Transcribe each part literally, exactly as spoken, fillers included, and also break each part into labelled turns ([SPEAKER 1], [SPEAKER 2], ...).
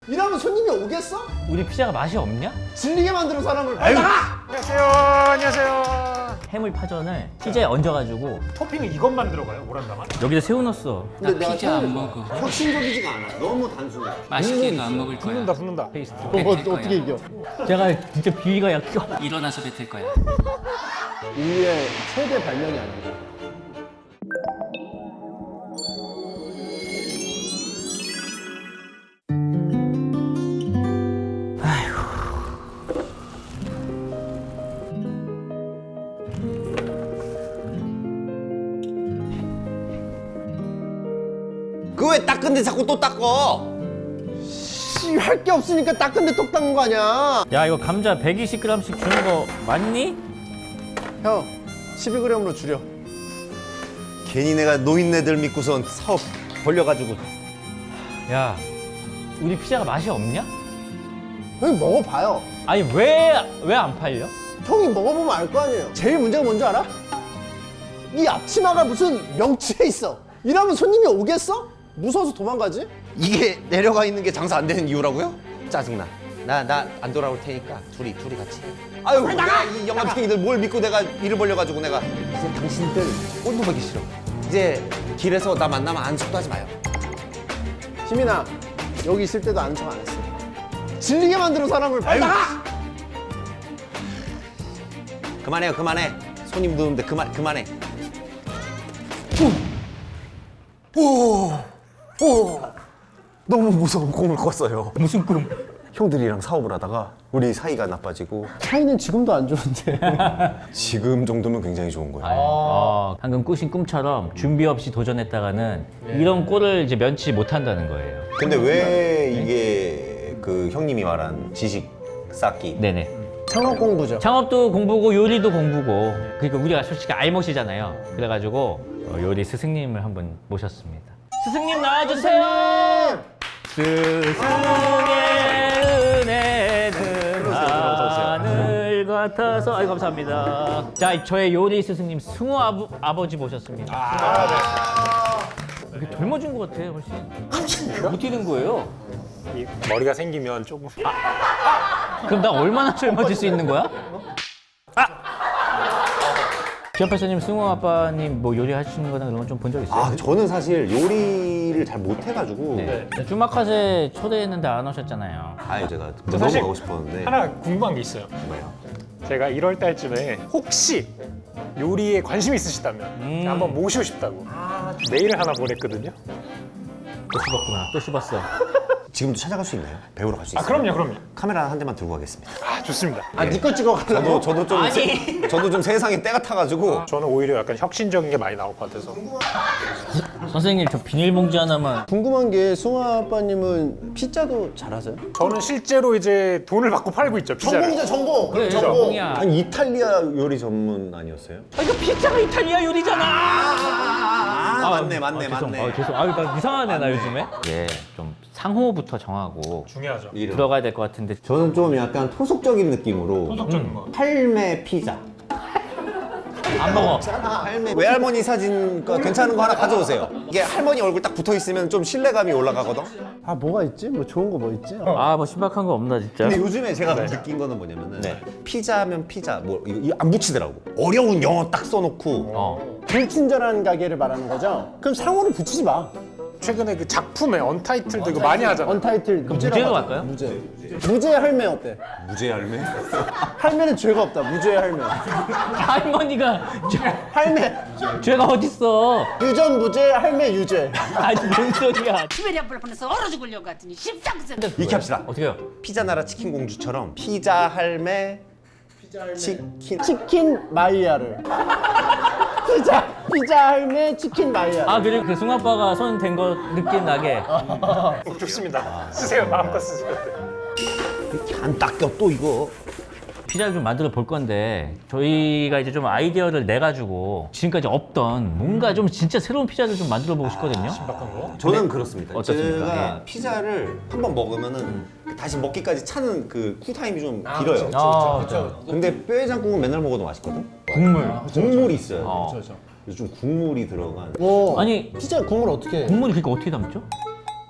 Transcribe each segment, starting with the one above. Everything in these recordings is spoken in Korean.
[SPEAKER 1] 이러면 손님이 오겠어?
[SPEAKER 2] 우리 피자가 맛이 없냐?
[SPEAKER 1] 질리게 만드는 사람을 빨리 나가!
[SPEAKER 3] 안녕하세요. 안녕하세요.
[SPEAKER 2] 해물 파전을 피자에 얹어가지고
[SPEAKER 3] 토핑은 이것만 들어가요? 오란다만?
[SPEAKER 2] 여기다 새우 넣었어.
[SPEAKER 1] 근데 내가
[SPEAKER 4] 피자 안
[SPEAKER 1] 생각해봐.
[SPEAKER 4] 먹어.
[SPEAKER 1] 혁신적이지가 않아. 너무 단순해.
[SPEAKER 4] 맛있게도 안 먹을 거야.
[SPEAKER 3] 붙는다 붙는다.
[SPEAKER 2] 페이스트.
[SPEAKER 1] 뭐, 뭐 어떻게 이겨?
[SPEAKER 2] 제가 진짜 비위가 약간
[SPEAKER 4] 일어나서 뱉을 거야.
[SPEAKER 1] 인류의 최대 발명이 아니야.
[SPEAKER 5] 그 왜 닦은데 자꾸 또 닦어?
[SPEAKER 1] 씨, 할 게 없으니까 닦은데 똑 닦는 거 아니야?
[SPEAKER 2] 야 이거 감자 백이십 그램씩 주는 거 맞니?
[SPEAKER 1] 형, 십이 그램으로 줄여.
[SPEAKER 5] 괜히 내가 노인네들 믿고선 사업 벌려가지고.
[SPEAKER 2] 야 우리 피자가 맛이 없냐?
[SPEAKER 1] 형이 먹어봐요.
[SPEAKER 2] 아니 왜 왜 안 팔려?
[SPEAKER 1] 형이 먹어보면 알 거 아니에요. 제일 문제가 뭔지 알아? 이 앞치마가 무슨 명치에 있어. 이러면 손님이 오겠어? 무서워서 도망가지?
[SPEAKER 5] 이게 내려가 있는 게 장사 안 되는 이유라고요? 짜증나. 나 나 안 돌아올 테니까 둘이 둘이 같이 해. 아유, 내가 이 영감탱이들 뭘 믿고 내가 일을 벌려가지고 내가 이제 당신들 꼴도 보기 싫어. 이제 길에서 나 만나면 안석도 하지 마요.
[SPEAKER 1] 시민아, 여기 있을 때도 아는 척 안 했어. 질리게 만드는 사람을 빨리 나가!
[SPEAKER 5] 그만해요, 그만해. 손님도 오는데 그만 그만해. 오, 오, 너무 무서운 꿈을 꿨어요.
[SPEAKER 2] 무슨 꿈?
[SPEAKER 5] 형들이랑 사업을 하다가 우리 사이가 나빠지고
[SPEAKER 1] 차이는 지금도 안 좋은데.
[SPEAKER 5] 지금 정도면 굉장히 좋은 거예요.
[SPEAKER 2] 어, 방금 꾸신 꿈처럼 준비 없이 도전했다가는 이런 꼴을 이제 면치 못한다는 거예요.
[SPEAKER 5] 근데 왜 이게 그 형님이 말한 지식 쌓기?
[SPEAKER 2] 네네.
[SPEAKER 1] 창업 공부죠.
[SPEAKER 2] 창업도 공부고 요리도 공부고 그러니까 우리가 솔직히 알못이잖아요. 그래가지고 어, 요리 스승님을 한번 모셨습니다. 스승님 나와주세요. 스승의 은혜는 하늘 같아서 아이 감사합니다. 자 저의 요리 스승님 승우 아부, 아버지 모셨습니다.
[SPEAKER 3] 아,
[SPEAKER 2] 이렇게 젊어진 것 같아 훨씬. 어떻게 된 거예요?
[SPEAKER 3] 네. 이 머리가 생기면 조금
[SPEAKER 2] 그럼 나 얼마나 젊어질 수 있는 거야? 아! 기업팔사님, 승우 아빠님 뭐 요리하시는 거나 그런 건 좀 본 적 있어요?
[SPEAKER 5] 아, 저는 사실 요리를 잘 못해가지고
[SPEAKER 2] 네. 주마카세 초대했는데 안 오셨잖아요.
[SPEAKER 5] 아, 제가
[SPEAKER 3] 저
[SPEAKER 5] 너무
[SPEAKER 3] 사실
[SPEAKER 5] 가고 싶었는데
[SPEAKER 3] 하나 궁금한 게 있어요.
[SPEAKER 5] 뭐예요?
[SPEAKER 3] 제가 일월 달쯤에 혹시 요리에 관심 있으시다면
[SPEAKER 2] 음.
[SPEAKER 3] 한번 모시고 싶다고 메일을 하나 보냈거든요.
[SPEAKER 2] 또 씹었구나. 또 씹었어.
[SPEAKER 5] 지금도 찾아갈 수 있나요? 배우러 갈 수 있어요?
[SPEAKER 3] 아 그럼요, 그럼요.
[SPEAKER 5] 카메라 한 대만 들고 가겠습니다.
[SPEAKER 3] 아 좋습니다.
[SPEAKER 1] 아, 니 거 찍어가려고?
[SPEAKER 5] 저도 저도 좀 세, 저도 좀 세상에 때가 타가지고
[SPEAKER 3] 저는 오히려 약간 혁신적인 게 많이 나올 것 같아서.
[SPEAKER 2] 선생님, 저 비닐봉지 하나만.
[SPEAKER 1] 궁금한 게 승우 아빠님은 피자도 잘하세요?
[SPEAKER 3] 저는 실제로 이제 돈을 받고 팔고 있죠 피자를.
[SPEAKER 1] 전공이죠, 전공.
[SPEAKER 2] 그래,
[SPEAKER 1] 전공.
[SPEAKER 2] 전공이야.
[SPEAKER 5] 아니 이탈리아 요리 전문 아니었어요?
[SPEAKER 2] 아, 이거 피자가 이탈리아 요리잖아!
[SPEAKER 5] 아, 맞네 맞네
[SPEAKER 2] 아, 죄송,
[SPEAKER 5] 맞네.
[SPEAKER 2] 아, 죄송. 아, 나 이상하네, 나 요즘에. 예, 좀 상호부터 정하고
[SPEAKER 3] 중요하죠.
[SPEAKER 5] 이름.
[SPEAKER 2] 들어가야 될 것 같은데.
[SPEAKER 5] 저는 좀 약간 토속적인 느낌으로
[SPEAKER 3] 소속적인 거.
[SPEAKER 5] 할매 피자.
[SPEAKER 2] 안 먹어.
[SPEAKER 5] 할매 외할머니 사진 거 괜찮은 거 하나 가져오세요. 이게 할머니 얼굴 딱 붙어 있으면 좀 신뢰감이 올라가거든.
[SPEAKER 1] 아, 뭐가 있지? 뭐 좋은 거 뭐 있지?
[SPEAKER 2] 아, 뭐 신박한 거 없나, 진짜?
[SPEAKER 5] 근데 요즘에 제가 느낀 거는 뭐냐면은 피자면 피자 뭐 이거, 이거 안 붙이더라고. 어려운 영어 딱 써놓고
[SPEAKER 2] 어.
[SPEAKER 1] 불친절한 가게를 말하는 거죠? 그럼 상호를 붙이지 마.
[SPEAKER 3] 최근에 그 작품에 언타이틀도 이거 많이 하잖아요.
[SPEAKER 1] 언타이틀.
[SPEAKER 2] 그럼 무죄로 갈까요?
[SPEAKER 1] 무죄. 무죄 할매 어때?
[SPEAKER 5] 무죄 할매?
[SPEAKER 1] 할매는 죄가 없다. 무죄 할매.
[SPEAKER 2] 할머니가 저,
[SPEAKER 1] 할매.
[SPEAKER 2] 죄가 어딨어?
[SPEAKER 1] 유전 무죄, 할매 유죄.
[SPEAKER 2] 아니, 뭔 소리야.
[SPEAKER 6] 시베리아 불판에서 얼어 죽으려고 했더니 십상승.
[SPEAKER 5] 이렇게 합시다.
[SPEAKER 2] 어떻게 해요?
[SPEAKER 5] 피자 나라 치킨 공주처럼 피자 할매 치킨
[SPEAKER 1] 치킨 마이야르. 피자, 피자 할매 치킨 마이야르.
[SPEAKER 2] 아, 그리고 그 승우 아빠가 손 댄 거 느낌 나게.
[SPEAKER 3] 어, 좋습니다. 쓰세요. 마음껏 쓰세요.
[SPEAKER 5] 이렇게 안 닦여 또 이거.
[SPEAKER 2] 피자를 좀 만들어 볼 건데 저희가 이제 좀 아이디어를 내 가지고 지금까지 없던 뭔가 좀 진짜 새로운 피자를 좀 만들어 보고 싶거든요.
[SPEAKER 5] 저는 그렇습니다.
[SPEAKER 2] 어떻습니까?
[SPEAKER 5] 제가
[SPEAKER 2] 예.
[SPEAKER 5] 피자를 한 번 먹으면은 다시 먹기까지 차는 그 쿨타임이 좀 길어요.
[SPEAKER 2] 아, 그렇죠.
[SPEAKER 5] 근데 뼈해장국은 맨날 먹어도 맛있거든.
[SPEAKER 2] 국물.
[SPEAKER 5] 국물이 있어요.
[SPEAKER 2] 어.
[SPEAKER 5] 요즘 국물이 들어간.
[SPEAKER 1] 오,
[SPEAKER 2] 아니
[SPEAKER 1] 피자 국물 어떻게 해?
[SPEAKER 2] 국물이 그러니까 어떻게 담죠?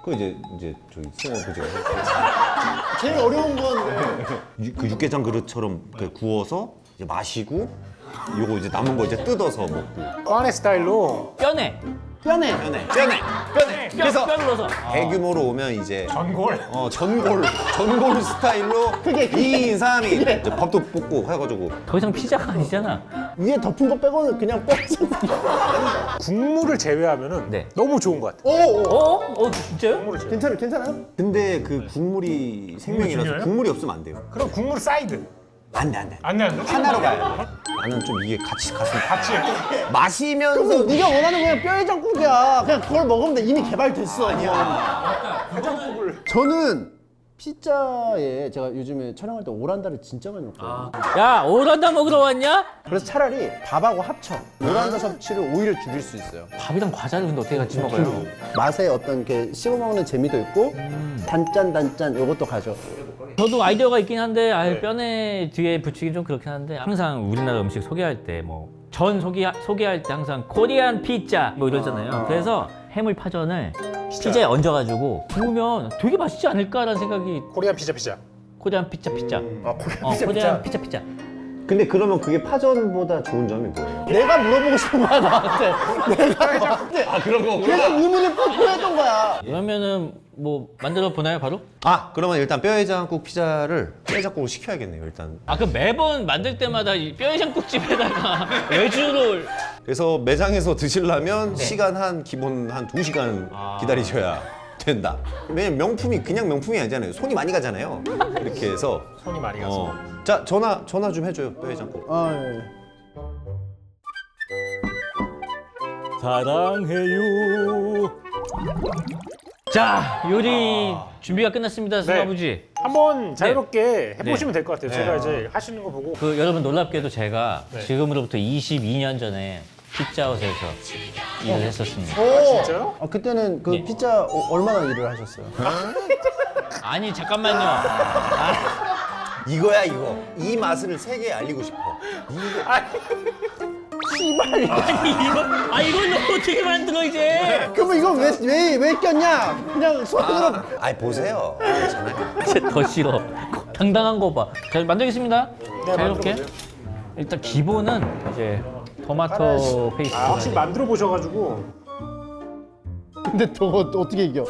[SPEAKER 5] 그 이제 이제 저기 승호 그죠?
[SPEAKER 1] 제일 어려운 건
[SPEAKER 5] 유- 그 육개장 그릇처럼 그 구워서 이제 마시고 요거 이제 남은 거 이제 뜯어서 먹고.
[SPEAKER 3] 꽈네 스타일로
[SPEAKER 2] 뼈네.
[SPEAKER 1] 뼈네.
[SPEAKER 5] 뼈네, 뼈네, 뼈네.
[SPEAKER 2] 뼈,
[SPEAKER 5] 그래서
[SPEAKER 2] 뼈를 넣어서.
[SPEAKER 5] 대규모로 오면 이제
[SPEAKER 3] 전골.
[SPEAKER 5] 어 전골, 전골 스타일로
[SPEAKER 1] 그게, 그게.
[SPEAKER 5] 이 인 삼 인 이제 밥도 볶고 해가지고.
[SPEAKER 2] 더 이상 피자가 아니잖아.
[SPEAKER 1] 위에 덮은 거 빼고는 그냥 뼈잖아.
[SPEAKER 3] 국물을 제외하면은
[SPEAKER 2] 네.
[SPEAKER 3] 너무 좋은 것 같아.
[SPEAKER 1] 오, 오.
[SPEAKER 2] 어? 어 진짜요?
[SPEAKER 3] 국물을 제외.
[SPEAKER 1] 괜찮아요, 괜찮아요?
[SPEAKER 5] 근데 그 국물이 생명이라서
[SPEAKER 3] 중요해요?
[SPEAKER 5] 국물이 없으면 안 돼요.
[SPEAKER 3] 그럼 국물 사이드.
[SPEAKER 5] 안 돼, 안 돼.
[SPEAKER 3] 안 돼, 안 돼.
[SPEAKER 5] 하나로 가야 돼. 나는 좀 이게 같이 갔으면
[SPEAKER 3] 같이.
[SPEAKER 5] 마시면서
[SPEAKER 1] 그럼 네가 원하는 그냥 뼈해장국이야. 그냥 그걸 먹으면 돼. 이미 개발됐어. 아니야. 저는 피자에 제가 요즘에 촬영할 때 오란다를 진짜 많이 먹거든요.
[SPEAKER 2] 야 오란다 먹으러 왔냐?
[SPEAKER 1] 그래서 차라리 밥하고 합쳐. 오란다 섭취를 오히려 줄일 수 있어요.
[SPEAKER 2] 밥이랑 과자를 근데 어떻게 같이 먹어요?
[SPEAKER 1] 맛에 어떤 게 씹어 먹는 재미도 있고 단짠 단짠 요것도 가져.
[SPEAKER 2] 저도 아이디어가 있긴 한데 아 뼈네 뒤에 붙이기 좀 그렇긴 한데 항상 우리나라 음식 소개할 때 뭐 전 소개 소개할 때 항상 코리안 피자 뭐 이러잖아요. 그래서 해물 파전을 피자에 얹어가지고 구우면 되게 맛있지 않을까라는 생각이
[SPEAKER 3] 코리안 피자 피자.
[SPEAKER 2] 코리안 피자 피자.
[SPEAKER 1] 아, 코리안
[SPEAKER 2] 어,
[SPEAKER 1] 피자,
[SPEAKER 2] 코리안
[SPEAKER 1] 피자.
[SPEAKER 2] 피자 피자.
[SPEAKER 5] 근데 그러면 그게 파전보다 좋은 점이 뭐예요?
[SPEAKER 1] 내가 물어보고 싶은 거야 나한테. 내가
[SPEAKER 5] 아 그런 거구나.
[SPEAKER 1] 계속 의문을 뽀뽀했던 거야.
[SPEAKER 2] 그러면은 뭐 만들어 보나요 바로?
[SPEAKER 5] 아 그러면 일단 뼈해장국 피자를 뼈해장국으로 시켜야겠네요 일단.
[SPEAKER 2] 아 그럼 매번 만들 때마다 이 뼈해장국집에다가 외주를
[SPEAKER 5] 그래서 매장에서 드시려면 시간 한 기본 한 두 시간 기다리셔야 된다. 왜냐면 명품이 그냥 명품이 아니잖아요. 손이 많이 가잖아요. 이렇게 해서
[SPEAKER 3] 손이 많이 가서.
[SPEAKER 5] 어. 자 전화 전화 좀 해줘요 뼈해장국.
[SPEAKER 1] 아 예.
[SPEAKER 2] 사랑해요. 자 요리 준비가 끝났습니다 승
[SPEAKER 3] 네.
[SPEAKER 2] 아버지.
[SPEAKER 3] 한번 자유롭게 해보시면 될 것 같아요. 제가
[SPEAKER 5] 네.
[SPEAKER 3] 이제 하시는 거 보고.
[SPEAKER 2] 그 여러분 놀랍게도 제가
[SPEAKER 3] 네.
[SPEAKER 2] 지금으로부터 이십이 년 전에 피자헛에서 일을 했었습니다.
[SPEAKER 1] 오.
[SPEAKER 3] 진짜요?
[SPEAKER 1] 아 그때는 그
[SPEAKER 2] 예.
[SPEAKER 1] 피자 어, 얼마나 일을 하셨어요?
[SPEAKER 2] 아니 잠깐만요. 아,
[SPEAKER 5] 이거야 이거. 이 맛을 세계에 알리고 싶어.
[SPEAKER 1] 씨발.
[SPEAKER 2] 아니 이거 아 이걸 어떻게 만들어 이제?
[SPEAKER 1] 그러면 이거 왜왜 왜 꼈냐? 그냥 손으로.
[SPEAKER 5] 아, 아이 보세요. 괜찮아요.
[SPEAKER 2] 진짜 더 싫어. 당당한 거 봐. 자 만들겠습니다.
[SPEAKER 3] 네,
[SPEAKER 2] 자유롭게.
[SPEAKER 3] 만들어보세요.
[SPEAKER 2] 일단 기본은 이제 토마토 페이스트.
[SPEAKER 3] 아, 확실히 만들어 보셔가지고.
[SPEAKER 1] 근데 저거 어떻게 이겨?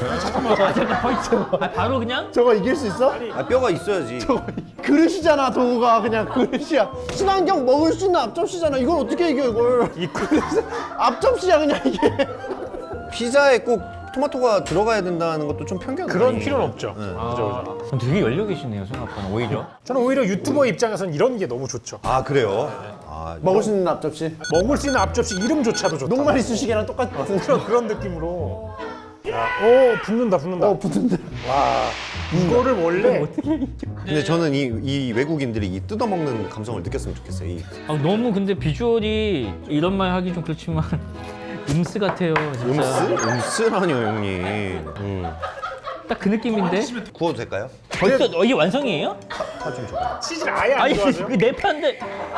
[SPEAKER 2] 아, 바로 그냥?
[SPEAKER 1] 저거 이길 수 있어?
[SPEAKER 5] 아 뼈가 있어야지.
[SPEAKER 1] 저거 그릇이잖아 도구가 그냥 그릇이야. 친환경 먹을 수 있는 앞접시잖아. 이걸 어떻게 이겨 이걸?
[SPEAKER 3] 이 그릇.
[SPEAKER 1] 앞접시야 그냥 이게.
[SPEAKER 5] 피자에 꼭 토마토가 들어가야 된다는 것도 좀 편견.
[SPEAKER 3] 그런
[SPEAKER 5] 아니에요?
[SPEAKER 3] 필요는 없죠.
[SPEAKER 5] 네.
[SPEAKER 3] 그죠, 그죠.
[SPEAKER 2] 되게 열려 계시네요 생각보다 오히려.
[SPEAKER 3] 저는 오히려 유튜버 입장에서는 이런 게 너무 좋죠.
[SPEAKER 5] 아 그래요? 아
[SPEAKER 1] 먹을 수 있는 앞접시.
[SPEAKER 3] 먹을 수 있는 앞접시 이름조차도 좋다.
[SPEAKER 1] 녹말이 수시개랑 똑같은.
[SPEAKER 3] 그런, 그런 느낌으로. 야, 오, 붙는다, 붙는다.
[SPEAKER 1] 어 붙은데.
[SPEAKER 3] 와, 이거를 원래
[SPEAKER 5] 근데 저는 이, 이 외국인들이 이 뜯어먹는 감성을 느꼈으면 좋겠어요. 이
[SPEAKER 2] 아, 너무 근데 비주얼이 이런 말 하기 좀 그렇지만 음스 같아요 진짜.
[SPEAKER 5] 음스? 음스라뇨 형님. 음.
[SPEAKER 2] 딱 그 느낌인데?
[SPEAKER 5] 구워도 될까요?
[SPEAKER 2] 벌써 어, 이게 완성이에요?
[SPEAKER 5] 파 좀 줘봐.
[SPEAKER 3] 치즈를 아예 안
[SPEAKER 2] 아니
[SPEAKER 3] 좋아하세요?
[SPEAKER 2] 이게 내 파인데.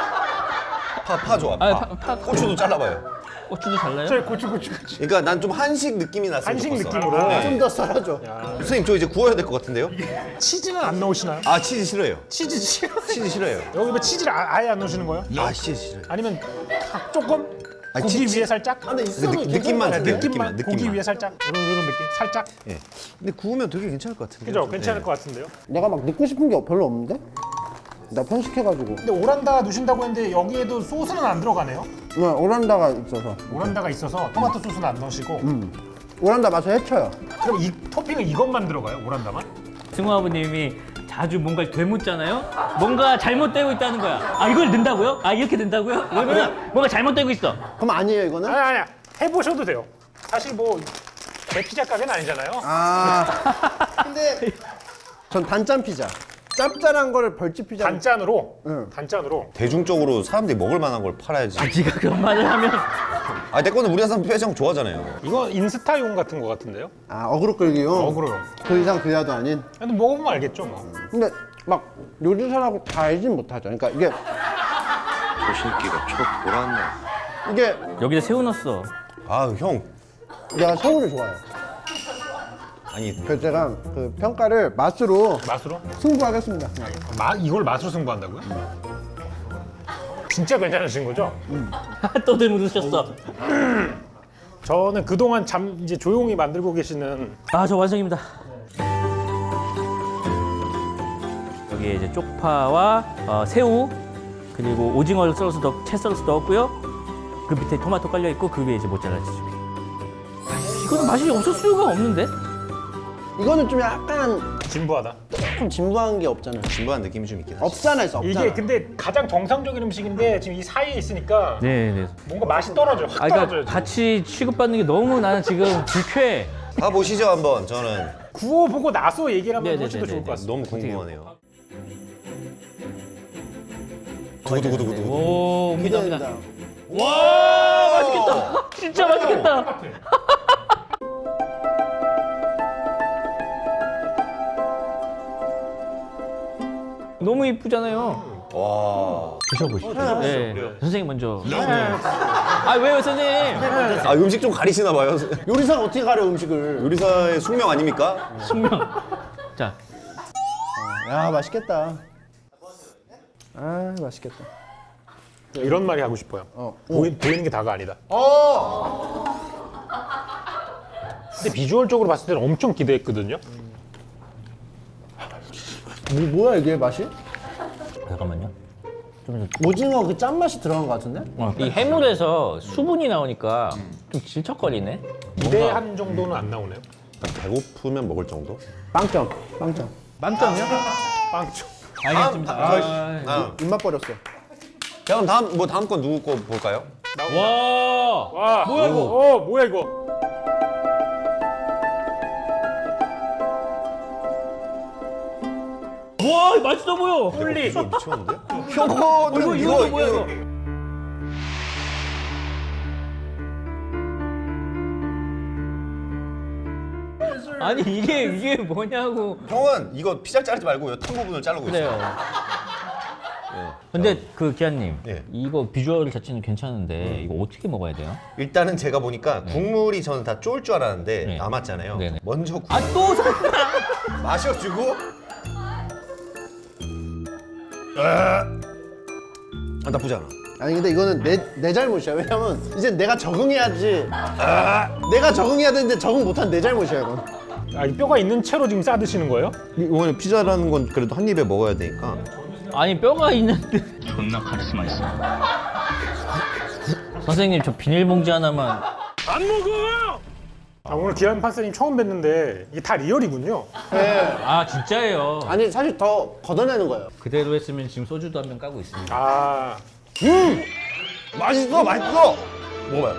[SPEAKER 5] 파, 파 좋아. 파.
[SPEAKER 2] 아, 파, 파
[SPEAKER 5] 고추도 잘라봐요.
[SPEAKER 2] 고추도 달라요?
[SPEAKER 3] 저희 고추, 고추, 고추.
[SPEAKER 5] 그러니까 난 좀 한식 느낌이 났으면
[SPEAKER 3] 한식
[SPEAKER 5] 좋겠어.
[SPEAKER 3] 느낌으로.
[SPEAKER 5] 네.
[SPEAKER 1] 좀 더 썰어줘.
[SPEAKER 5] 선생님 저 이제 구워야 될 것 같은데요?
[SPEAKER 3] 치즈는 안 넣으시나요?
[SPEAKER 5] 아 치즈 싫어요.
[SPEAKER 3] 치즈 싫어.
[SPEAKER 5] 치즈 싫어요.
[SPEAKER 3] 여기 왜 치즈를 아, 아예 안 넣으시는 거예요?
[SPEAKER 5] 아 치즈 싫어요.
[SPEAKER 3] 아니면 조금?
[SPEAKER 5] 아니,
[SPEAKER 3] 고기
[SPEAKER 5] 치-
[SPEAKER 3] 위에 살짝?
[SPEAKER 1] 아, 근데 있어도
[SPEAKER 5] 느- 느낌만
[SPEAKER 1] 괜찮을 것
[SPEAKER 5] 줄게요.
[SPEAKER 1] 같은데?
[SPEAKER 5] 느낌만, 느낌만.
[SPEAKER 3] 고기 위에 살짝? 이런, 이런 느낌? 살짝?
[SPEAKER 5] 예. 근데 구우면 되게 괜찮을 것 같은데.
[SPEAKER 3] 그죠? 괜찮을 것 같은데요?
[SPEAKER 1] 내가 막 넣고 싶은 게 별로 없는데? 나 편식해가지고.
[SPEAKER 3] 근데 오란다 넣으신다고 했는데 여기에도 소스는 안 들어가네요?
[SPEAKER 1] 네, 오란다가 있어서.
[SPEAKER 3] 오란다가 있어서 토마토 소스는 안 넣으시고
[SPEAKER 1] 오란다 맛을 해쳐요.
[SPEAKER 3] 그럼 이 토핑은 이것만 들어가요? 오란다만?
[SPEAKER 2] 승우 아버님이 자주 뭔가를 되묻잖아요? 뭔가 잘못되고 있다는 거야. 아 이걸 넣는다고요? 아 이렇게 된다고요? 그러면 뭔가 잘못되고 있어.
[SPEAKER 1] 그럼 아니에요 이거는?
[SPEAKER 3] 아니 아니야 해보셔도 돼요. 사실 뭐 제 피자 가게는 아니잖아요.
[SPEAKER 1] 아. 근데 전 단짠 피자. 짭짤한 거를 벌집 피자.
[SPEAKER 3] 단짠으로
[SPEAKER 1] 응.
[SPEAKER 3] 단짠으로
[SPEAKER 5] 대중적으로 사람들이 먹을 만한 걸 팔아야지.
[SPEAKER 2] 아 네가 그런 말을 하면
[SPEAKER 5] 아 내 거는 우리나라 사람 뼈해장 좋아하잖아요.
[SPEAKER 3] 이거 인스타용 같은 거 같은데요?
[SPEAKER 1] 아 어그로 끌기요?
[SPEAKER 3] 어그로요.
[SPEAKER 1] 그 이상 그 이하도 아닌.
[SPEAKER 3] 근데 먹어보면 알겠죠 뭐.
[SPEAKER 1] 근데 막 요리사라고 다 알진 못하죠. 그러니까 이게
[SPEAKER 5] 조심기가 촉 돌았네.
[SPEAKER 1] 이게
[SPEAKER 2] 여기다 새우 넣었어.
[SPEAKER 5] 아 형.
[SPEAKER 1] 내가 새우를 좋아해요.
[SPEAKER 5] 아니
[SPEAKER 1] 그래서 제가 그 평가를 맛으로
[SPEAKER 3] 맛으로?
[SPEAKER 1] 승부하겠습니다.
[SPEAKER 3] 마, 이걸 맛으로 승부한다고요? 진짜 괜찮으신 거죠?
[SPEAKER 2] 또 들묻으셨어.
[SPEAKER 3] 저는 그동안 잠 이제 조용히 만들고 계시는
[SPEAKER 2] 아, 저 완성입니다. 여기에 이제 쪽파와 어, 새우 그리고 오징어를 썰어서 넣, 채 썰어서 넣었고요. 그 밑에 토마토 깔려 있고 그 위에 이제 모짜렐라 치즈. 이거는 맛이 없을 수가 없는데?
[SPEAKER 1] 이거는 좀 약간
[SPEAKER 3] 진부하다.
[SPEAKER 1] 조금 진부한 게 없잖아요.
[SPEAKER 5] 진부한 느낌이 좀 있긴 하지.
[SPEAKER 1] 없잖아요, 없잖아.
[SPEAKER 3] 이게 근데 가장 정상적인 음식인데 지금 이 사이에 있으니까
[SPEAKER 2] 네, 네.
[SPEAKER 3] 뭔가 맛이 떨어져. 확
[SPEAKER 2] 아, 그러니까
[SPEAKER 3] 떨어져요. 지금.
[SPEAKER 2] 같이 취급받는 게 너무 나는 지금 불쾌해.
[SPEAKER 5] 가 보시죠 한번. 저는
[SPEAKER 3] 구워보고 나서 얘기를 하면
[SPEAKER 2] 네네네네네.
[SPEAKER 3] 훨씬 더 좋을 것 같습니다.
[SPEAKER 5] 너무 궁금하네요. 두구두구두구두구.
[SPEAKER 2] 오, 옵니다, 옵니다.
[SPEAKER 1] 기대된다.
[SPEAKER 2] 와, 맛있겠다. 진짜 맛있겠다. 너무 이쁘잖아요.
[SPEAKER 5] 와.
[SPEAKER 2] 드셔보시죠. 네. 선생님 먼저. 아, 왜요, 선생님?
[SPEAKER 5] 아 음식 좀 가리시나 봐요.
[SPEAKER 1] 요리사가 어떻게 가려 음식을?
[SPEAKER 5] 요리사의 숙명 아닙니까?
[SPEAKER 2] 숙명. 자,
[SPEAKER 1] 야, 맛있겠다. 아, 맛있겠다.
[SPEAKER 3] 이런 말이 하고 싶어요.
[SPEAKER 1] 어.
[SPEAKER 3] 보이, 보이는 게 다가 아니다.
[SPEAKER 1] 어.
[SPEAKER 3] 근데 비주얼적으로 봤을 때는 엄청 기대했거든요.
[SPEAKER 1] 뭐, 뭐야 이게 맛이?
[SPEAKER 2] 잠깐만요. 좀,
[SPEAKER 1] 오징어 그 짠맛이 들어간 것 같은데?
[SPEAKER 2] 어, 이 해물에서 수분이 나오니까 좀 질척거리네.
[SPEAKER 3] 기대한 정도는 안 나오네요.
[SPEAKER 5] 배고프면 먹을 정도?
[SPEAKER 1] 빵점, 빵점.
[SPEAKER 2] 만점이요?
[SPEAKER 3] 빵초.
[SPEAKER 2] 알겠습니다.
[SPEAKER 5] 아, 아.
[SPEAKER 1] 입맛 버렸어.
[SPEAKER 5] 자 그럼 다음 뭐 다음 건 누구 거 볼까요?
[SPEAKER 2] 와,
[SPEAKER 3] 와,
[SPEAKER 2] 뭐야, 이거?
[SPEAKER 3] 어, 뭐야 이거?
[SPEAKER 2] 와, 맛있어 보여.
[SPEAKER 3] 홀리.
[SPEAKER 5] 이거 미쳤는데?
[SPEAKER 2] 어,
[SPEAKER 5] 이거는
[SPEAKER 2] 이거 이거 뭐야 이거? 아니 이게 이게 뭐냐고.
[SPEAKER 5] 형은 이거 피자 자르지 말고 이탄 부분을 자르고
[SPEAKER 2] 그래요.
[SPEAKER 5] 있어요.
[SPEAKER 2] 근데 그 기아님,
[SPEAKER 5] 예.
[SPEAKER 2] 이거 비주얼 자체는 괜찮은데 이거 어떻게 먹어야 돼요?
[SPEAKER 5] 일단은 제가 보니까 국물이 저는 다 쫄 줄 알았는데
[SPEAKER 2] 네.
[SPEAKER 5] 남았잖아요.
[SPEAKER 2] 네네.
[SPEAKER 5] 먼저 국
[SPEAKER 2] 아 또
[SPEAKER 5] 마셔주고 아 나쁘지 않아.
[SPEAKER 1] 아니 근데 이거는 내, 내 잘못이야. 왜냐면 이제 내가 적응해야지. 내가 적응해야 되는데 적응 못한 내 잘못이야 이건.
[SPEAKER 3] 아, 이 뼈가 있는 채로 지금 싸 드시는 거예요?
[SPEAKER 5] 이거는 피자라는 건 그래도 한 입에 먹어야 되니까.
[SPEAKER 2] 아니 뼈가 있는데 존나 카리스마 있어. 선생님 저 비닐봉지 하나만.
[SPEAKER 3] 안 먹어! 아, 오늘 기안 판사님 처음 뵀는데 이게 다 리얼이군요.
[SPEAKER 2] 아 진짜예요.
[SPEAKER 1] 아니 사실 더 걷어내는 거예요.
[SPEAKER 2] 그대로 했으면 지금 소주도 한 병 까고 있습니다.
[SPEAKER 3] 아,
[SPEAKER 5] 맛있어, 맛있어. 먹어봐요.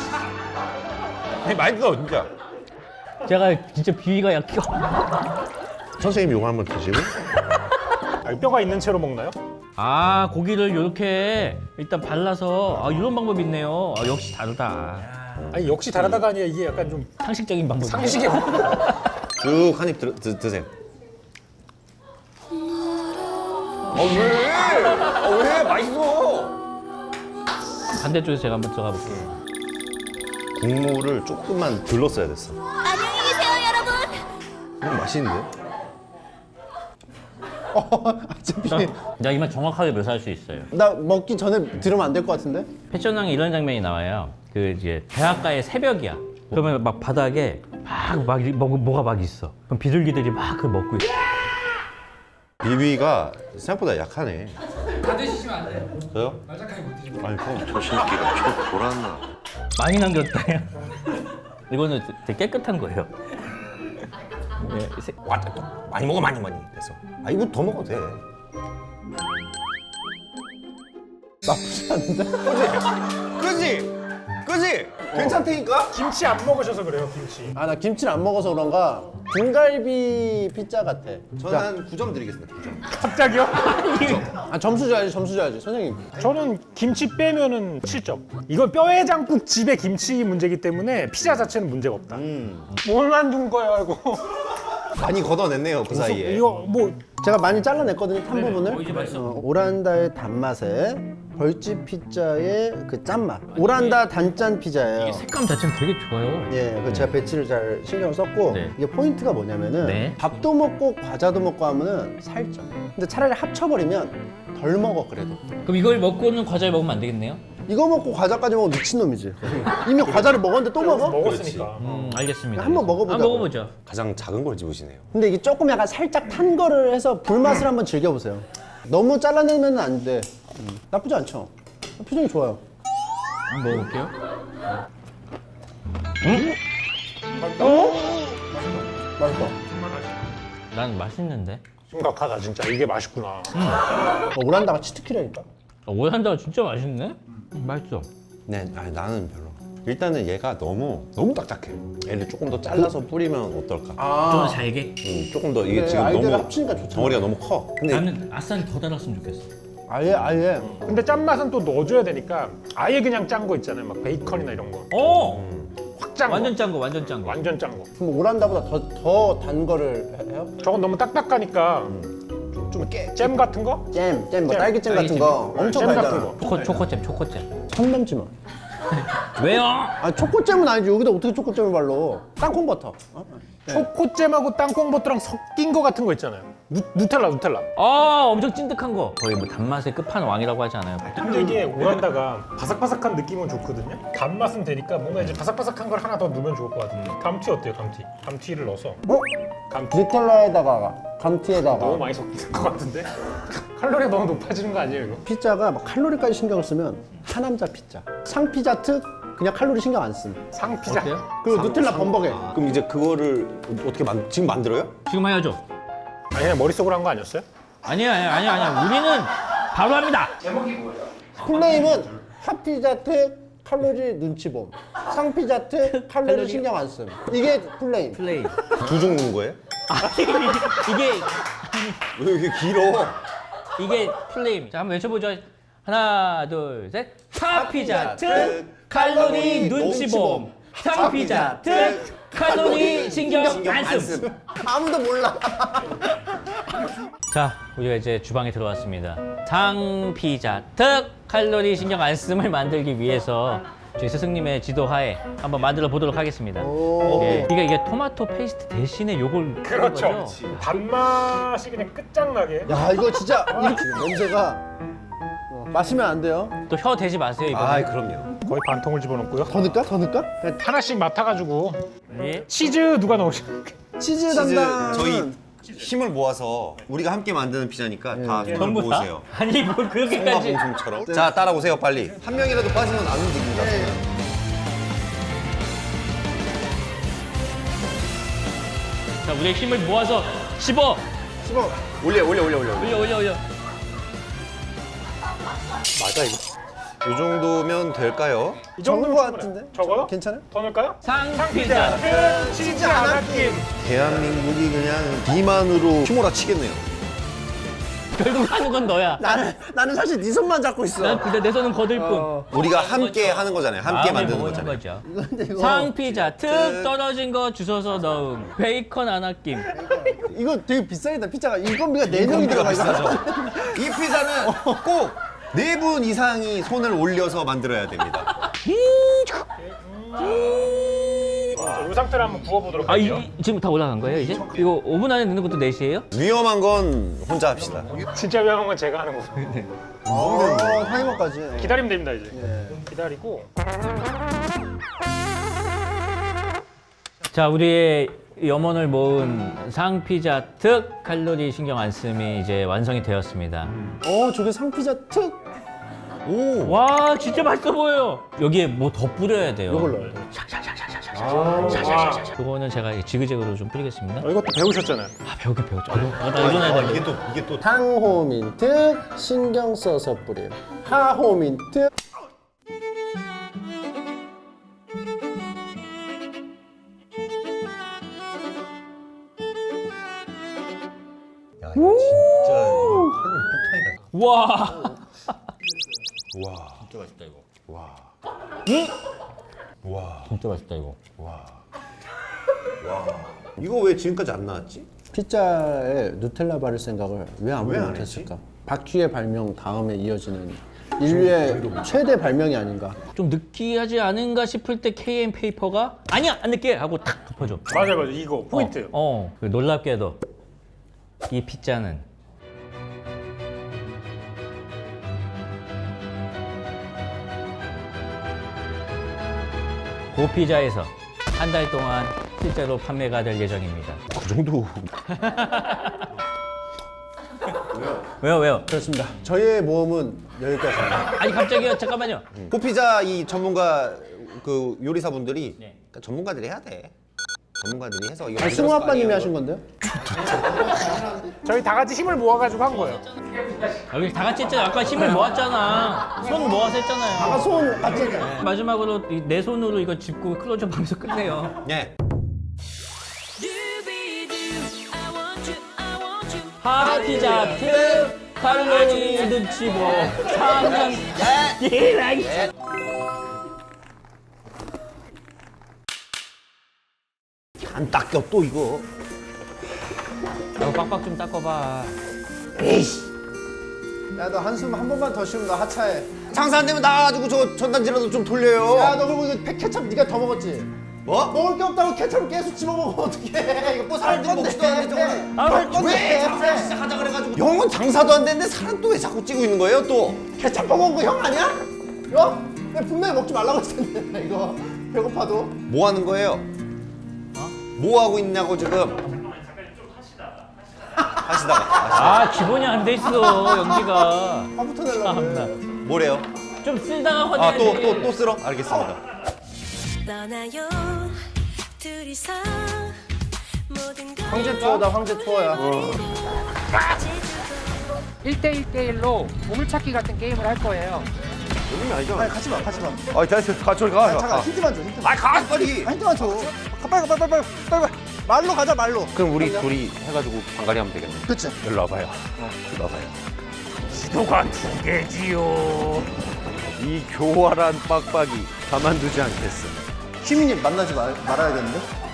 [SPEAKER 5] 아니 맛있어 진짜.
[SPEAKER 2] 제가 진짜 비위가 약해.
[SPEAKER 5] 선생님 이거 한번 드시고.
[SPEAKER 3] 아, 이 뼈가 있는 채로 먹나요?
[SPEAKER 2] 아 고기를 이렇게 일단 발라서 아 이런 방법이 있네요. 아, 역시 다르다.
[SPEAKER 3] 아니 역시 다르다가 아니라 이게 약간 좀
[SPEAKER 2] 상식적인 방법.
[SPEAKER 3] 상식의
[SPEAKER 5] 쭉 한 입 드세요. 어 왜? 어 왜? 맛있어.
[SPEAKER 2] 반대쪽에서 제가 한번 들어가 볼게요.
[SPEAKER 5] 국물을 조금만 들렀어야 됐어.
[SPEAKER 4] 안녕히 계세요, 여러분.
[SPEAKER 5] 음, 맛있는데?
[SPEAKER 1] 어차피
[SPEAKER 2] 나 이만 정확하게 묘사할 수 있어요.
[SPEAKER 1] 나 먹기 전에 들으면 안 될 것 같은데?
[SPEAKER 2] 패션왕에 이런 장면이 나와요. 그 이제 대학가의 새벽이야. 그러면 막 바닥에 막, 막 뭐, 뭐가 막 있어. 그럼 비둘기들이 막 그 먹고 있어.
[SPEAKER 5] 비비가 생각보다 약하네. 다 드시면 안 돼요. 저요? 말짝하게 못 드시면. 아니 그럼 저 새끼가 저 돌았나?
[SPEAKER 2] 많이 남겼다. 야. 이거는 되게 깨끗한 거예요. 네, 세-
[SPEAKER 5] 와, 많이 먹어 많이 많이. 됐어. 아 이거 더 먹어도 돼.
[SPEAKER 1] 나쁘지 않은데?
[SPEAKER 5] 그지? 그지? 괜찮다니까?
[SPEAKER 3] 김치 안 먹으셔서 그래요, 김치.
[SPEAKER 1] 아 나 김치를 안 먹어서 그런가 등갈비 피자 같아.
[SPEAKER 5] 저는 한 구 점 드리겠습니다. 구 점.
[SPEAKER 3] 갑자기요?
[SPEAKER 1] 아 점수 줘야지 점수 줘야지 선생님.
[SPEAKER 3] 저는 김치 빼면은 칠 점. 이건 뼈해장국 집의 김치 문제이기 때문에 피자 자체는 문제가 없다. 뭘 만든 거야, 이거.
[SPEAKER 5] 많이 걷어냈네요 그 사이에.
[SPEAKER 3] 이거 뭐
[SPEAKER 1] 제가 많이 잘라냈거든요, 탄
[SPEAKER 2] 어,
[SPEAKER 1] 부분을.
[SPEAKER 2] 이제 맛있어.
[SPEAKER 1] 어, 오란다의 단맛에 벌집 피자의 그 짠맛. 오란다 단짠 피자예요.
[SPEAKER 2] 색감 자체는 되게 좋아요.
[SPEAKER 1] 예, 그 제가 배치를 잘 신경을 썼고
[SPEAKER 2] 네.
[SPEAKER 1] 이게 포인트가 뭐냐면은
[SPEAKER 2] 네.
[SPEAKER 1] 밥도 먹고 과자도 먹고 하면은 살쪄. 근데 차라리 합쳐버리면 덜 먹어 그래도.
[SPEAKER 2] 그럼 이걸 먹고는 과자를 먹으면 안 되겠네요?
[SPEAKER 1] 이거 먹고 과자까지 먹으면 미친놈이지. 이미 과자를 먹었는데 또 먹어?
[SPEAKER 3] 먹었으니까.
[SPEAKER 2] 음, 알겠습니다.
[SPEAKER 1] 한번 먹어보자고.
[SPEAKER 2] 한번 먹어보죠.
[SPEAKER 5] 가장 작은 걸 집으시네요.
[SPEAKER 1] 근데 이게 조금 약간 살짝 탄 거를 해서 불맛을 한번 즐겨보세요. 너무 잘라내면 안 돼. 음, 나쁘지 않죠? 표정이 좋아요.
[SPEAKER 2] 한번 먹어볼게요.
[SPEAKER 1] 맛있어.
[SPEAKER 2] 난 맛있는데.
[SPEAKER 3] 심각하다 진짜. 이게 맛있구나.
[SPEAKER 1] 어, 오란다가 치트키라니까.
[SPEAKER 2] 어, 오란다가 진짜 맛있네? 음, 맛있어.
[SPEAKER 5] 네, 아니, 나는 별로. 일단은 얘가 너무 너무 딱딱해. 얘를 조금 더 잘라서 뿌리면 어떨까?
[SPEAKER 2] 좀 더 잘게?
[SPEAKER 5] 음, 조금 더 이게
[SPEAKER 1] 그래,
[SPEAKER 5] 지금
[SPEAKER 1] 아이디어를
[SPEAKER 5] 너무
[SPEAKER 1] 합치니까 좋잖아.
[SPEAKER 5] 덩어리가 너무 커. 근데
[SPEAKER 2] 나는 아싸리 더 달았으면 좋겠어.
[SPEAKER 1] 아예 아예.
[SPEAKER 3] 근데 짠맛은 또 넣어줘야 되니까 아예 그냥 짠 거 있잖아요. 막 베이컨이나 이런 거.
[SPEAKER 2] 어!
[SPEAKER 3] 확 짠 거.
[SPEAKER 2] 완전 짠 거, 완전 짠 거.
[SPEAKER 3] 완전 짠 거.
[SPEAKER 1] 그럼 오란다보다 더 더 단 거를 해- 해요?
[SPEAKER 3] 저건 너무 딱딱하니까
[SPEAKER 1] 좀 깨.
[SPEAKER 3] 잼 같은 거?
[SPEAKER 1] 잼, 잼, 뭐
[SPEAKER 3] 잼,
[SPEAKER 1] 딸기잼 같은 거 엄청
[SPEAKER 3] 잼 같은
[SPEAKER 1] 달잖아.
[SPEAKER 3] 거.
[SPEAKER 2] 초코, 초코잼, 초코잼.
[SPEAKER 1] 선 넘지 마.
[SPEAKER 2] 왜요?
[SPEAKER 1] 아 초코잼은 아니지. 여기다 어떻게 초코잼을 발로? 땅콩 버터. 어?
[SPEAKER 3] 초코잼하고 땅콩버터랑 섞인 거 같은 거 있잖아요. 누, 누텔라, 누텔라.
[SPEAKER 2] 아, 엄청 찐득한 거. 거의 뭐 단맛의 끝판왕이라고 하지 않아요?
[SPEAKER 3] 근데 이게 오란다가 바삭바삭한 느낌은 좋거든요. 단맛은 되니까 뭔가 이제 바삭바삭한 걸 하나 더 넣으면 좋을 것 같은데. 감튀 어때요, 감튀? 감튀를 넣어서.
[SPEAKER 1] 어?
[SPEAKER 3] 감튀.
[SPEAKER 1] 누텔라에다가 감튀에다가
[SPEAKER 3] 너무 많이 섞인 것 같은데? 칼로리가 너무 높아지는 거 아니에요, 이거?
[SPEAKER 1] 피자가 막 칼로리까지 신경을 쓰면 하남자 피자. 상피자 특 그냥 칼로리 신경 안 씀.
[SPEAKER 3] 상피자.
[SPEAKER 2] 어때요?
[SPEAKER 1] 그리고 누텔라 범벅에.
[SPEAKER 5] 그럼 이제 그거를 어떻게 만 지금 만들어요?
[SPEAKER 2] 지금 해야죠.
[SPEAKER 3] 아니, 그냥 머릿속으로 한 거 아니었어요?
[SPEAKER 2] 아니야, 아니야, 아니야, 아니야. 우리는 바로 합니다.
[SPEAKER 1] 플레임은 핫피자 특 칼로리 눈치 봄. 상피자 특 칼로리
[SPEAKER 2] 칼로리.
[SPEAKER 1] 신경 안 씀. 이게 플레임.
[SPEAKER 2] 플레이.
[SPEAKER 5] 두 종 넣은 거예요?
[SPEAKER 2] 이게,
[SPEAKER 5] 왜 이렇게 길어?
[SPEAKER 2] 이게 플레임. 자, 한번 외쳐보죠. 하나, 둘, 셋. 핫피자 특 칼로리 눈치봄. 상피자 특 칼로리 신경 안 씀.
[SPEAKER 1] 아무도 몰라.
[SPEAKER 2] 자, 우리가 이제 주방에 들어왔습니다. 상피자 특 칼로리 신경 안 씀을 만들기 위해서 저희 스승님의 지도하에 한번 만들어 보도록 하겠습니다.
[SPEAKER 1] 오.
[SPEAKER 2] 예, 그러니까 이게 토마토 페이스트 대신에 요걸
[SPEAKER 3] 그렇죠.
[SPEAKER 2] 하는 거죠?
[SPEAKER 3] 단맛이 그냥 끝장나게.
[SPEAKER 1] 야 이거 진짜 이렇게 냄새가 어, 마시면 안 돼요.
[SPEAKER 2] 또 혀 대지 마세요, 이거.
[SPEAKER 5] 아, 그럼요.
[SPEAKER 3] 거의 반 통을 집어넣고요.
[SPEAKER 1] 더 넣을까? 더 넣을까? 그냥
[SPEAKER 3] 하나씩 맡아가지고
[SPEAKER 2] 예.
[SPEAKER 3] 치즈 누가 넣으실까요?
[SPEAKER 1] 치즈
[SPEAKER 5] 치즈
[SPEAKER 1] 담당.
[SPEAKER 5] 저희 힘을 모아서 우리가 함께 만드는 피자니까 다 손을
[SPEAKER 2] 전부 다?
[SPEAKER 5] 모으세요.
[SPEAKER 2] 아니, 뭐 그렇게까지.
[SPEAKER 5] 송가봉송처럼. 자, 따라오세요 빨리. 한 명이라도 빠지면 안 움직입니다.
[SPEAKER 2] 자, 우리의 힘을 모아서 씹어.
[SPEAKER 1] 씹어.
[SPEAKER 5] 올려 올려 올려 올려.
[SPEAKER 2] 올려, 올려, 올려.
[SPEAKER 3] 맞아 이거.
[SPEAKER 5] 이 정도면 될까요?
[SPEAKER 3] 이
[SPEAKER 1] 적은
[SPEAKER 3] 정도면
[SPEAKER 1] 거
[SPEAKER 3] 충분해요.
[SPEAKER 1] 같은데?
[SPEAKER 3] 적어요?
[SPEAKER 1] 괜찮아?
[SPEAKER 3] 더 넣을까요?
[SPEAKER 2] 상피자
[SPEAKER 3] 끝! 치즈 안 아낌.
[SPEAKER 5] 대한민국이 그냥 비만으로 휘몰아치겠네요.
[SPEAKER 2] 결국 하는 건 너야.
[SPEAKER 1] 나는 나는 사실 네 손만 잡고 있어.
[SPEAKER 2] 난 근데 내 손은 거들 뿐.
[SPEAKER 1] 어.
[SPEAKER 5] 우리가 함께 하는 거잖아요. 함께
[SPEAKER 2] 마음을
[SPEAKER 5] 만드는
[SPEAKER 2] 먹는
[SPEAKER 5] 거잖아요.
[SPEAKER 2] 거죠.
[SPEAKER 1] 근데 이거
[SPEAKER 2] 상피자 특 떨어진 거 주워서 넣음. 베이컨 안 아낌.
[SPEAKER 1] 이거 되게 비싸겠다. 피자가 인건비가 네 명이 들어가 있어.
[SPEAKER 5] 이 피자는 꼭 네 분 이상이 손을 올려서 만들어야 됩니다.
[SPEAKER 3] 자, 이 상태로 한번 구워보도록
[SPEAKER 2] 아,
[SPEAKER 3] 할게요.
[SPEAKER 2] 이, 지금 다 올라간 거예요, 이제? 이거 오 분 안에 넣는 것도 네 시예요?
[SPEAKER 5] 위험한 건 혼자 합시다.
[SPEAKER 3] 진짜 위험한 건 제가 하는 거고.
[SPEAKER 1] 어, 타이머까지.
[SPEAKER 3] 기다리면 됩니다 이제.
[SPEAKER 1] 예.
[SPEAKER 3] 기다리고.
[SPEAKER 2] 자, 우리의 염원을 모은 상피자 특 칼로리 신경 안 씀이 이제 완성이 되었습니다.
[SPEAKER 1] 어, 저게 상피자 특.
[SPEAKER 5] 오.
[SPEAKER 2] 와, 진짜 맛있어 보여요. 여기에 뭐 더 뿌려야 돼요.
[SPEAKER 1] 이걸 넣어야 돼.
[SPEAKER 3] 와.
[SPEAKER 2] 이거는 제가 지그재그로 좀 뿌리겠습니다.
[SPEAKER 3] 어, 이것도 배우셨잖아요.
[SPEAKER 2] 아, 배우긴 배웠죠. 아, 나, 나 일어나야
[SPEAKER 5] 아,
[SPEAKER 2] 돼.
[SPEAKER 5] 이게 또 이게 또
[SPEAKER 1] 상호민 특 신경 써서 뿌림. 하호민 특.
[SPEAKER 5] 야, 이거 진짜 이거 칼로리 폭탄이다.
[SPEAKER 2] 와.
[SPEAKER 5] 와.
[SPEAKER 2] 진짜 맛있다 이거.
[SPEAKER 5] 와.
[SPEAKER 2] 진짜 맛있다 이거.
[SPEAKER 5] 이거 왜 지금까지 안 나왔지?
[SPEAKER 1] 피자에 누텔라 바를 생각을 왜 아무도 못했을까? 바퀴의 발명 다음에 이어지는 인류의 최대 발명이 아닌가.
[SPEAKER 2] 좀 느끼하지 않은가 싶을 때 케이엠 페이퍼가 아니야 안 느끼해 하고 탁 덮어줘.
[SPEAKER 3] 맞아요, 맞아요. 이거 포인트.
[SPEAKER 2] 어, 어. 그 놀랍게도 이 피자는 고피자에서 한 달 동안 실제로 판매가 될 예정입니다.
[SPEAKER 5] 그 정도.
[SPEAKER 2] 왜요 왜요?
[SPEAKER 1] 그렇습니다. 저희의 모험은 여기까지입니다.
[SPEAKER 2] 아니 갑자기요 잠깐만요.
[SPEAKER 5] 호피자 이 전문가 그 요리사분들이
[SPEAKER 2] 네.
[SPEAKER 5] 그러니까 전문가들이 해야 돼. 전문가들이 해서 이거
[SPEAKER 1] 아니, 승우
[SPEAKER 5] 만들었을 거
[SPEAKER 1] 아빠님이
[SPEAKER 5] 아니에요.
[SPEAKER 1] 하신 건데요?
[SPEAKER 3] 저희 다 같이 힘을 모아가지고 한 거예요.
[SPEAKER 2] 여기 다 같이 했잖아. 아까 힘을 모았잖아. 손 모아서 했잖아요.
[SPEAKER 1] 아까 손 같이 했잖아요.
[SPEAKER 2] 마지막으로 이 내 손으로 이거 짚고 클로즈업 하면서 끝내요.
[SPEAKER 5] 예.
[SPEAKER 2] 하피자 트 칼로리 눈치 보 상상 예랑
[SPEAKER 5] 안 닦여 또 이거.
[SPEAKER 2] 너 빡빡 좀 닦아봐.
[SPEAKER 1] 야, 너 한숨 한 번만 더 쉬면 너 하차해.
[SPEAKER 5] 장사 안 되면 나가지고 저 전단지라도 좀 돌려요.
[SPEAKER 1] 야, 너 그리고 이거 팩 케첩 네가 더 먹었지?
[SPEAKER 5] 뭐?
[SPEAKER 1] 먹을 게 없다고 케첩을 계속 집어 먹으면 어떡해? 이거
[SPEAKER 5] 뭐 사람들이 먹지도 않는데 저거를.
[SPEAKER 2] 아,
[SPEAKER 1] 할 건데.
[SPEAKER 5] 왜 장사 시작하자 그래가지고 형은 장사도 안 되는데 사람 또 왜 자꾸 찌고 있는 거예요 또?
[SPEAKER 1] 케첩 먹은 거 형 아니야? 이거? 내가 분명히 먹지 말라고 했었는데 이거 배고파도.
[SPEAKER 5] 뭐 하는 거예요? 뭐 하고 있냐고 지금? 하시다가.
[SPEAKER 2] 아 기본이 안 돼 있어 연기가.
[SPEAKER 1] 화부터 내려고
[SPEAKER 2] 참나.
[SPEAKER 1] 그래.
[SPEAKER 5] 뭐래요?
[SPEAKER 2] 좀 쓸다가
[SPEAKER 5] 아
[SPEAKER 2] 화내야지.
[SPEAKER 5] 또 또 또 쓸어? 알겠습니다.
[SPEAKER 4] 떠나요 둘이서 모든 걸
[SPEAKER 1] 황제 투어다, 황제 투어야.
[SPEAKER 7] 일 대 일 대 일로 보물찾기 같은 게임을 할 거예요.
[SPEAKER 5] 요즘이 아니죠?
[SPEAKER 1] 아니, 같이 봐, 같이 봐.
[SPEAKER 5] 아 됐어. 가 저리 가.
[SPEAKER 1] 잠깐, 힌트만 줘, 힌트.
[SPEAKER 5] 아 가 빨리.
[SPEAKER 1] 힌트만 줘. 가, 빨리, 가, 빨리, 빨리, 빨리, 빨리. 말로 가자, 말로.
[SPEAKER 5] 그럼 우리 둘이 해가지고 방갈이 하면 되겠네.
[SPEAKER 1] 그치?
[SPEAKER 5] 일로 와봐요. 일로 와봐요.
[SPEAKER 3] 지도가 두 개지요.
[SPEAKER 5] 이 교활한 빡빡이 가만두지 않겠어.
[SPEAKER 1] 휘민님 만나지 말, 말아야겠는데?